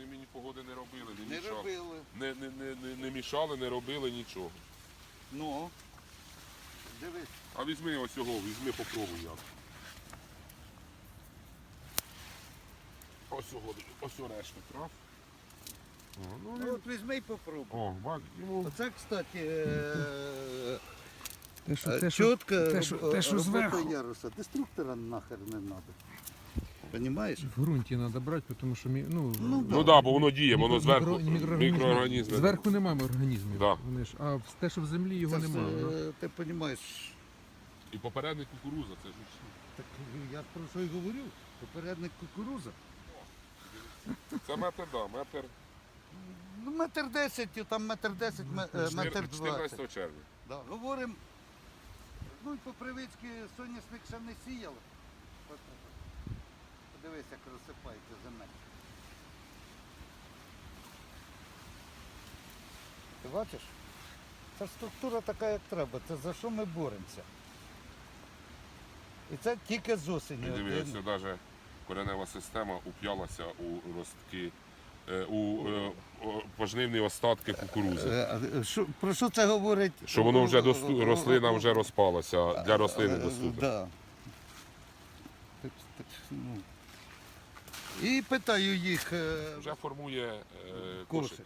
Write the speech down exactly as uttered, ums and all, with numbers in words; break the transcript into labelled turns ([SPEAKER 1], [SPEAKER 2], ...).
[SPEAKER 1] мені погоди не робили, не,
[SPEAKER 2] Не
[SPEAKER 1] мішали.
[SPEAKER 2] робили.
[SPEAKER 1] Не, не, не, не, не мішали, не робили нічого.
[SPEAKER 2] Ну, дивись.
[SPEAKER 1] А візьми ось його, візьми, попробуй як. Ось його, ось решта трав. О, ну,
[SPEAKER 2] Ну,
[SPEAKER 1] він...
[SPEAKER 2] от візьми і попробуй.
[SPEAKER 1] О, бач, йому...
[SPEAKER 2] Оце, кстати, е,
[SPEAKER 3] Те, що,
[SPEAKER 2] е,
[SPEAKER 3] те, що,
[SPEAKER 2] чітко
[SPEAKER 3] те, що,
[SPEAKER 2] роб-
[SPEAKER 3] те, що
[SPEAKER 2] робота
[SPEAKER 3] зверху
[SPEAKER 2] яруса. Деструктора нахер не треба. Понімаєш?
[SPEAKER 3] в ґрунті треба брати, тому що мі- ну,
[SPEAKER 2] Ну,
[SPEAKER 1] Ну так, да, бо воно діє, воно
[SPEAKER 3] мікро-
[SPEAKER 1] зверху,
[SPEAKER 3] мікро- мікроорганізми.
[SPEAKER 1] мікроорганізми.
[SPEAKER 3] Зверху немає організмів.
[SPEAKER 1] Да.
[SPEAKER 3] Вони ж, а в- те, що в землі, його
[SPEAKER 2] Це ж,
[SPEAKER 3] немає. ну.
[SPEAKER 2] е, ти розумієш,
[SPEAKER 1] І попередник кукуруза, це ж
[SPEAKER 2] так я про що й говорю. Попередник кукуруза.
[SPEAKER 1] це метр, да, метр
[SPEAKER 2] Ну, метр десять, там метр десять, ме- е, метр двадцять.
[SPEAKER 1] чотирнадцятого червня.
[SPEAKER 2] Да. Говоримо, ну і по привичці соняшник ще не сіяли. От, подивись, як розсипається земель. Ти бачиш? Це структура така, як треба. Це за що ми боремося. І це тільки з осені.
[SPEAKER 1] І
[SPEAKER 2] Один-
[SPEAKER 1] дивіться, навіть коренева система уп'ялася у ростки, е, у е, о, пожнивні остатки кукурузи.
[SPEAKER 2] Е, а що- Про що це говорить?
[SPEAKER 1] Що воно вже досту... рослина вже розпалася, для рослини
[SPEAKER 2] Е,
[SPEAKER 1] доступна.
[SPEAKER 2] Да. Так, так, ну. І питаю їх, е,
[SPEAKER 1] Вже формує е,
[SPEAKER 2] кошик.
[SPEAKER 1] кошик.